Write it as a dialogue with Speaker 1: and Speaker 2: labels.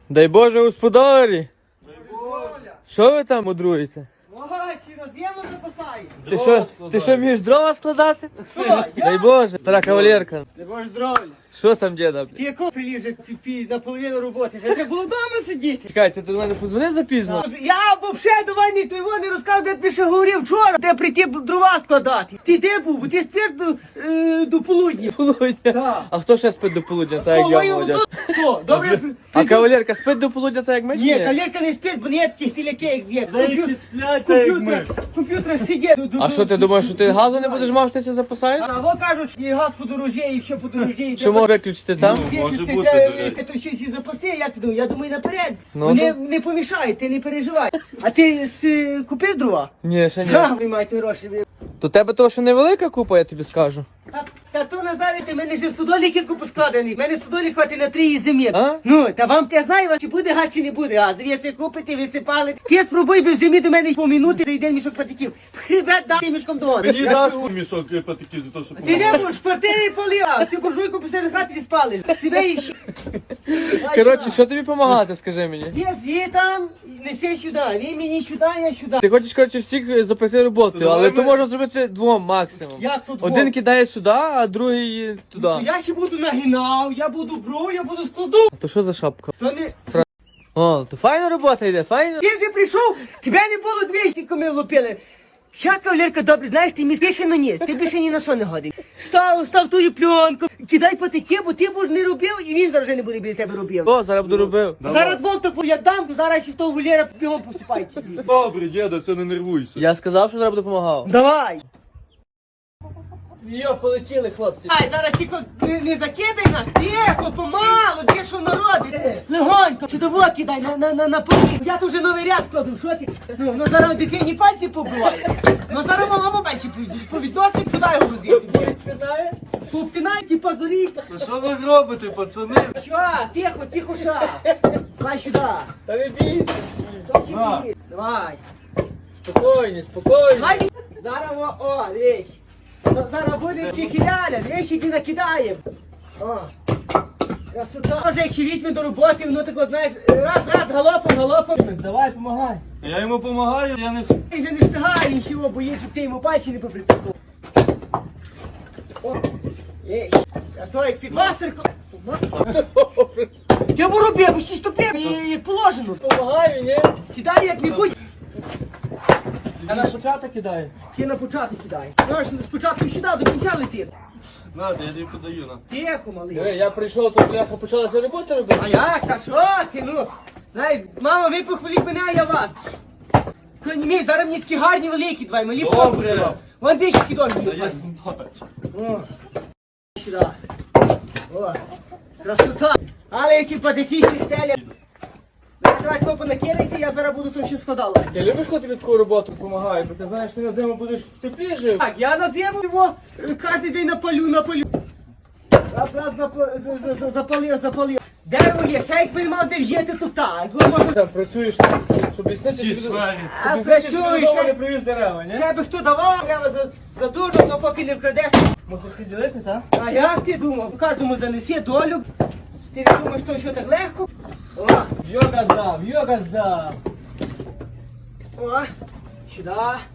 Speaker 1: Дай Боже господарі!
Speaker 2: Дай Боже.
Speaker 1: Що ви там мудруєте?
Speaker 2: Ой, ці роз'ємно запасають.
Speaker 1: Ти що вмієш дрова складати?
Speaker 2: Хто?
Speaker 1: Дай
Speaker 2: Я?
Speaker 1: Боже, стара кавалерка.
Speaker 2: Дай Боже здоров'я.
Speaker 1: Що там, діда?
Speaker 2: Ти яку прилів вже наполовину роботи? Вже треба було вдома сидіти.
Speaker 1: Чекай, ти до мене позвонив запізно?
Speaker 2: Я взагалі до мене той не розказав, де я тобі ще говорив вчора. Треба прийти дрова складати. Ти де був? Бо ти спиш до полудня.
Speaker 1: Полудня.
Speaker 2: Так.
Speaker 1: А хто ще спить до полудня, так як я,
Speaker 2: Ой,
Speaker 1: молодь?
Speaker 2: хто? Добре.
Speaker 1: А кавалерка спить до полудня, так як ми? чи
Speaker 2: Ні, кавалерка не спить, бо не таких тіляки, як є. Комп'ютер сидить.
Speaker 1: А що ти думаєш, що ти газу не будеш мав, що ти це запасаєш?
Speaker 2: А во кажуть, і газ подорожає, і все подорожає.
Speaker 1: Що можна виключити там?
Speaker 2: Може бути, ти щось і запасти, як ти думаєш? Я думаю, наперед.
Speaker 1: Ну,
Speaker 2: Вони не помішають, ти не переживай. А ти купив дрова?
Speaker 1: Ні, ще ні.
Speaker 2: Так, ви маєте гроші.
Speaker 1: То тебе того, що невелика купа, я тобі скажу.
Speaker 2: Та то, Назаре, ти мене ж в стодоліки купу складений. Мене стодолік хватить на 3 зимі.
Speaker 1: А?
Speaker 2: Ну, та вам я знаю, чи буде газ, чи не буде газ. Дивіться, купите, висипали. Ти спробуй би в зимі до мене по минути, дійде мішок патиків. Хребет дати мішком до води.
Speaker 3: Мені даш мішок патиків за те, що
Speaker 2: Ти не будеш в квартирі полив, ти буржуйку посеред хати спалиш. Себе і
Speaker 1: Коротше, що тобі допомагати, скажи мені?
Speaker 2: Є там, неси сюди, він мені сюди, я сюди.
Speaker 1: Ти хочеш, коротше, всіх запити роботу,
Speaker 3: Давай
Speaker 1: але то
Speaker 3: ми-
Speaker 1: можна зробити двом максимум.
Speaker 2: Як тут
Speaker 1: Один кидає сюди, а другий туди.
Speaker 2: Я ще буду нагинав, я буду бру, я буду складу.
Speaker 1: А то що за шапка?
Speaker 2: То не...
Speaker 1: О, то файна робота йде, файна.
Speaker 2: Ти вже прийшов, тебе не було 200, коли лупили. Ща, кавалерка, добре, знаєш, ти між більше на ніс, ти більше ні на що не годий. Став тую пленку, кидай патики, бо ти будеш не робив, і він зараз вже не буде біля тебе робив.
Speaker 1: О, зараз буду робив.
Speaker 2: Зараз двом таку я дам, то зараз ще з того вольєра бігом поступається.
Speaker 3: Добре, діда, все, не нервуйся.
Speaker 1: Я сказав, що зараз буду допомагав.
Speaker 2: Давай.
Speaker 1: Йо, полетіли, хлопці.
Speaker 2: Ай, зараз тільки не закидай нас, тихо, помалу, де що воно робить. Легонько, чи того кидай на полі. Я тут вже новий ряд кладу, що ти? Ну зараз дитині пальці побиває. Ну зараз мама пальці повідносить, куди його возити? Повтинай ті позорі.
Speaker 3: Ну що ви робите, пацани?
Speaker 2: Що? Тихо, ша. Давай сюди.
Speaker 1: Та не бійся.
Speaker 2: Давай.
Speaker 1: Спокійно.
Speaker 2: Давай. Зараз дивись. Зараз буде чекіляля, дивись, які накидаємо. О. Красота. Може, якщо візьме до роботи, воно тако, знаєш, раз, галопом.
Speaker 1: Давай, помагай.
Speaker 3: Я йому допомагаю, я не
Speaker 2: Ти вже не встигає нічого, боїш, щоб ти йому пальці не попритискав. Ей, а то як підвасерко. Я б робив, бо ще стопив, як положено.
Speaker 1: Помагаю, ні?
Speaker 2: Кидай як-небудь.
Speaker 1: Я на початок кидаю.
Speaker 2: Ти на початок кидай. Знаєш, спочатку сюди, до кінця летить.
Speaker 3: Надо, я тобі подаю, на.
Speaker 2: Тихо, малий.
Speaker 1: Диви, я прийшов, то бляха почалася робота робити.
Speaker 2: А як? Та що ти, ну? Знаєш, мама, ви похваліть мене, а я вас. Мій, зараз мені такі гарні великі, давай, малі
Speaker 3: Добре.
Speaker 2: фото. Вон дички домі.
Speaker 3: Та я бачу.
Speaker 2: О, сюди. О, красота. Але які патики ще стелять. Давай копу накидайте, я зараз буду тут ще складала.
Speaker 1: Ти любиш, коли тобі таку роботу допомагаю, бо ти знаєш, ти на зиму будеш в теплі жив.
Speaker 2: Так, я на зиму його кожен день напалю. Раз запалив. Дерево є, ще якби мав де жити, то так.
Speaker 1: Там працюєш, щоб лісничі
Speaker 3: Ті свалі.
Speaker 2: А
Speaker 1: працюєш,
Speaker 2: працюєш,
Speaker 1: не
Speaker 2: ще,
Speaker 1: привіз дерева, ні?
Speaker 2: ще би хто давав, треба за дуже, то поки не вкрадеш.
Speaker 1: Мусиш всі ділити, так?
Speaker 2: А як ти думав? Кожному занесе долю. Ти не думаєш, що так легко? О,
Speaker 1: Йога здав.
Speaker 2: о, сюди.